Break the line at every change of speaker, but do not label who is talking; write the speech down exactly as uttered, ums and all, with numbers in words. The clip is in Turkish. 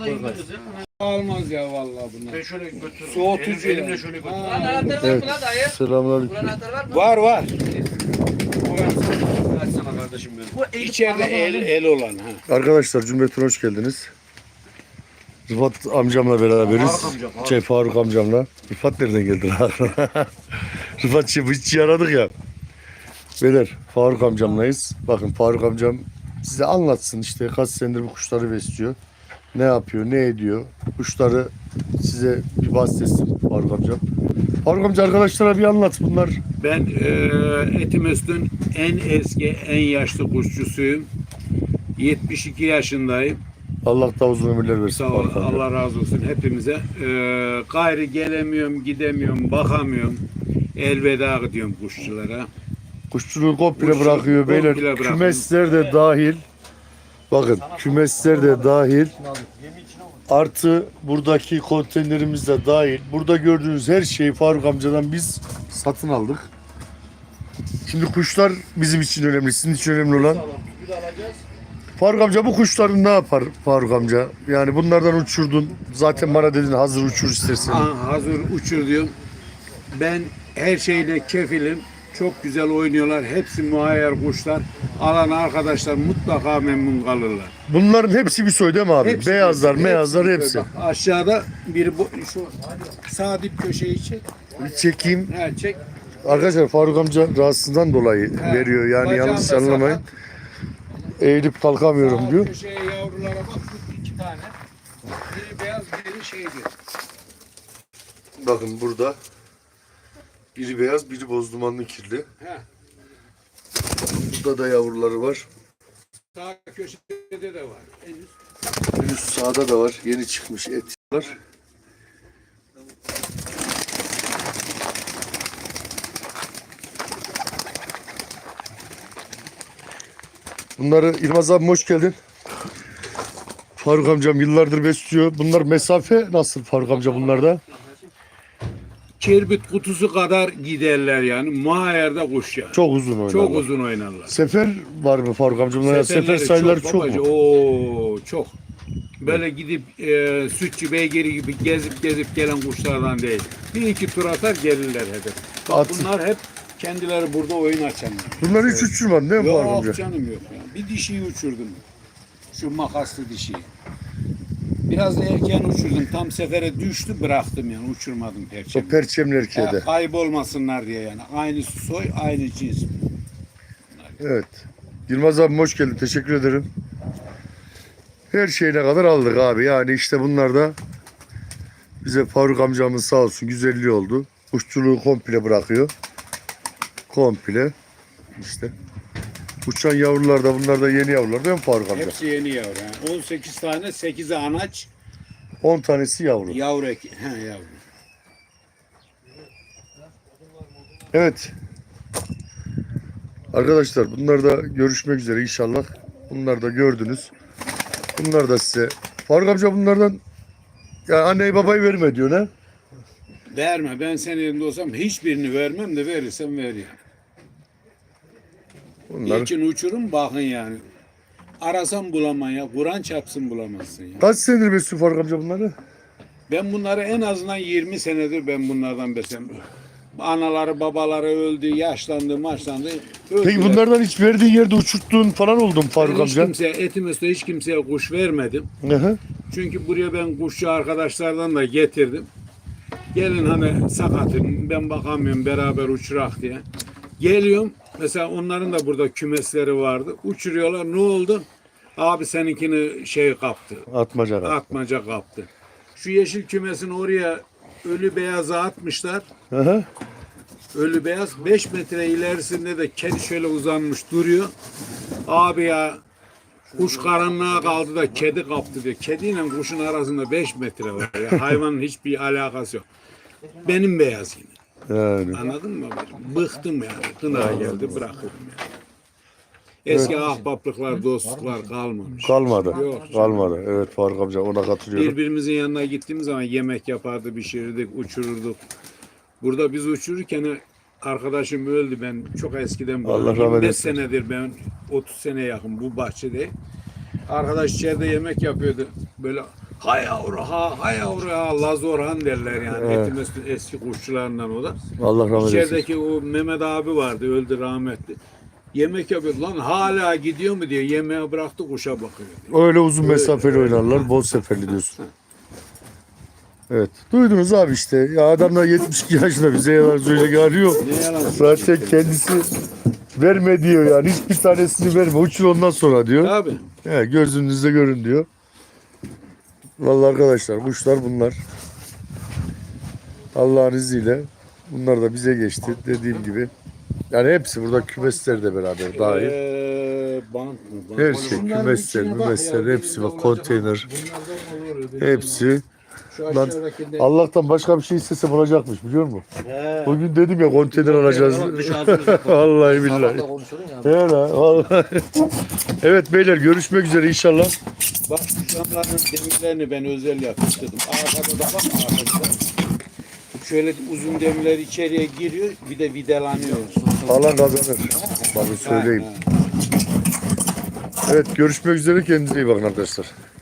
Almaz ya vallahi bunlar.
Ben şöyle götürürüm.
Soğutucu
Elim- elimle
ya.
şöyle
Ha.
götürürüm.
Evet.
Selamünaleyküm.
Var var.
Açsana kardeşim benim.
İçeride el el olan ha.
Arkadaşlar cümletine hoş geldiniz. Rıfat amcamla beraberiz.
Faruk amcam, Faruk.
Şey Faruk amcamla. Rıfat nereden geldi lan? Rıfat şey, hiç aradık ya. Beyler Faruk amcamlayız. Bakın Faruk amcam size anlatsın işte kaç senedir bu kuşları besliyor. Ne yapıyor, ne ediyor. Kuşları size bir bahsetsin Faruk amcam. Faruk amca arkadaşlara bir anlat bunlar.
Ben e, Etimesgut'un en eski, en yaşlı kuşçusuyum. yetmiş iki yaşındayım.
Allah da uzun ömürler versin.
Sağ ol,
Faruk amca.
Allah razı olsun hepimize. E, gayri gelemiyorum, gidemiyorum, bakamıyorum. Elveda ediyorum kuşçulara.
Kuşçuluğu komple
Kuşçuluğu
bırakıyor
komple
beyler.
bırakıyor.
Kümesler de dahil. Bakın kümesler de dahil. Artı buradaki konteynerimiz de dahil. Burada gördüğünüz her şeyi Faruk amcadan biz satın aldık. Şimdi kuşlar bizim için önemli. Sizin için önemli olan. Faruk amca bu kuşların ne yapar Faruk amca? Yani bunlardan uçurdun. Zaten bana dedin hazır uçur istersen.
Aa, hazır uçur diyorum. Ben her şeyle kefilim. Çok güzel oynuyorlar. Hepsi muayyer kuşlar. Alan arkadaşlar mutlaka memnun kalırlar.
Bunların hepsi bir soy değil mi abi?
Hepsi-
Beyazlar,
hepsi-
meyazlar
hepsi.
hepsi.
Bak, aşağıda biri bu şu sağ dip köşeyi çek.
Bir çekeyim.
Ha, çek.
Arkadaşlar Faruk amca rahatsızlığından dolayı
He,
veriyor. Yani
bacağım
yanlış
da
anlamayın.
sakat.
Eğilip kalkamıyorum
Sağ
diyor.
köşeye yavrulara bak şu iki tane. Biri beyaz biri şeydi.
Bakın burada biri beyaz, biri boz dumanlı kirli.
He.
Burada da yavruları var.
Sağ köşede de var. En üst.
En üst sağda da var. Yeni çıkmış et var. Bunları İlmaz abim hoş geldin. Faruk amcam yıllardır besliyor. Bunlar mesafe nasıl Faruk amca bunlarda?
Kirbit kutusu kadar giderler yani. Muayyerde kuş yani.
Çok uzun oynarlar.
Çok uzun oynarlar.
Sefer var mı Faruk amca? Bunlara sefer
Seferleri
sayıları çok,
babacı.
mu?
Oo, çok. Böyle gidip e, sütçü beygiri gibi gezip gezip gelen kuşlardan değil. Bir iki tur atar gelirler hedef. Bak
At.
bunlar hep kendileri burada oyun açanlar.
Bunları hiç uçurmadın değil mi Faruk amca?
Yok canım yok. Ya. Bir dişiyi uçurdum. Şu makaslı dişiyi. Biraz da erken uçurdum. Tam sefere düştü bıraktım yani uçurmadım
O
perçemi.
perçemli erkeğe
Ya,
de.
kaybolmasınlar diye yani. Aynı soy, aynı cins.
Evet. Yılmaz abim hoş geldin. Teşekkür ederim. Her şeyine kadar aldık abi. Yani işte bunlar da bize Faruk amcamız sağ olsun güzelliği oldu. Kuşçuluğu komple bırakıyor. Komple. İşte. Uçan yavrular da bunlar da yeni yavrular değil mi Faruk amca?
Hepsi yeni yavru. Yani. on sekiz tane, sekizi anaç,
on tanesi yavru.
yavru eki. He yavru.
Evet. Arkadaşlar bunlar da görüşmek üzere inşallah. Bunlar da gördünüz. Bunlar da size. Faruk amca bunlardan ya anneyi babayı verme diyor ne?
Verme. Ben senin yerinde olsam hiçbirini vermem de verirsem ver yani.
Bunlar.
İçin uçurum bakın yani. Arasan bulamam ya. Kur'an çarpsın bulamazsın ya.
Kaç senedir besliyor Faruk amca bunları?
Ben bunları en azından yirmi senedir ben bunlardan beslem. Anaları babaları öldü, yaşlandı, maçlandı. Öldüler.
Peki bunlardan hiç verdiğin yerde uçurttuğun falan oldu mu Faruk
Ben hiç
amca?
kimseye, Etimesgut'ta hiç kimseye kuş vermedim.
Hı hı.
Çünkü buraya ben kuşçu arkadaşlardan da getirdim. Gelin hani sakatım, ben bakamıyorum beraber uçurak diye. Geliyorum, mesela onların da burada kümesleri vardı. Uçuruyorlar, ne oldu? Abi seninkini şey kaptı,
Atmaca kadar.
atmaca kaptı. Şu yeşil kümesini oraya ölü beyaza atmışlar.
Hı hı.
Ölü beyaz beş metre ilerisinde de kedi şöyle uzanmış duruyor. Abi ya kuş karanlığa kaldı da kedi kaptı diyor. Kediyle kuşun arasında beş metre var ya. Hayvanın hiçbir alakası yok. Benim beyaz yine.
Yani.
Anladın mı? Bıktım yani. Kına geldi bırakırım yani. Eski ahbaplıklar, dostluklar kalmamış.
Kalmadı.
Yok.
Kalmadı. Evet Faruk amca ona katılıyorum.
Birbirimizin yanına gittiğimiz zaman yemek yapardı, pişirirdik, uçururduk. Burada biz uçururken arkadaşım öldü, ben çok eskiden
Allah
böyle
rahmet
yirmi beş
eylesin.
senedir ben otuz sene yakın bu bahçede. Arkadaş içeride yemek yapıyordu. Böyle Hay yavru ha, hay yavru ha, Laz Orhan derler yani.
Evet.
Etimesgut'un eski kuşçularından o da.
Allah rahmet eylesin.
İçerideki o Mehmet abi vardı, öldü rahmetli. Yemek yapıyor. Lan hala gidiyor mu diyor. Yemeğe bıraktı, kuşa bakıyor diyor.
Öyle uzun mesafeli oynarlar. Bol seferli diyorsun. Evet. Duydunuz abi işte. Ya adamlar yetmiş iki yaşında bize yalan söyleyecek hali yok.
Ne yalan
Zaten kendisi verme diyor yani. Hiçbir tanesini verme. Uçur ondan sonra diyor.
Abi.
He, gözünüzde görün diyor. Vallahi arkadaşlar kuşlar bunlar. Allah'ın izniyle bunlar da bize geçti. Dediğim gibi. Yani hepsi burada kümesler de beraber dahil.
Ee, bant mı? Bant.
Her şey,
Bunların
kümesler,
içine bak
mümesler,
ya,
hepsi
elinde
bak,
olacak.
konteyner.
Bunlardan olur,
Hepsi.
Şu
Lan
aşağıdakinde-
Allah'tan başka bir şey istesem olacakmış biliyor musun?
He.
Bugün dedim ya konteyner alacağız.
Oğlum dış ağzımızda
Vallahi billahi.
Sabah da konuşuyordun ya.
He la, vallahi. Evet beyler görüşmek üzere inşallah.
Bak şu camların demirlerini ben özel yapıştırdım. Arkada da bak arkada. Şöyle uzun demirler içeriye giriyor, bir de vidalanıyor.
Alan kazanır. Bakın söyleyeyim.
Ha, ha.
Evet görüşmek üzere, kendinize iyi bakın arkadaşlar.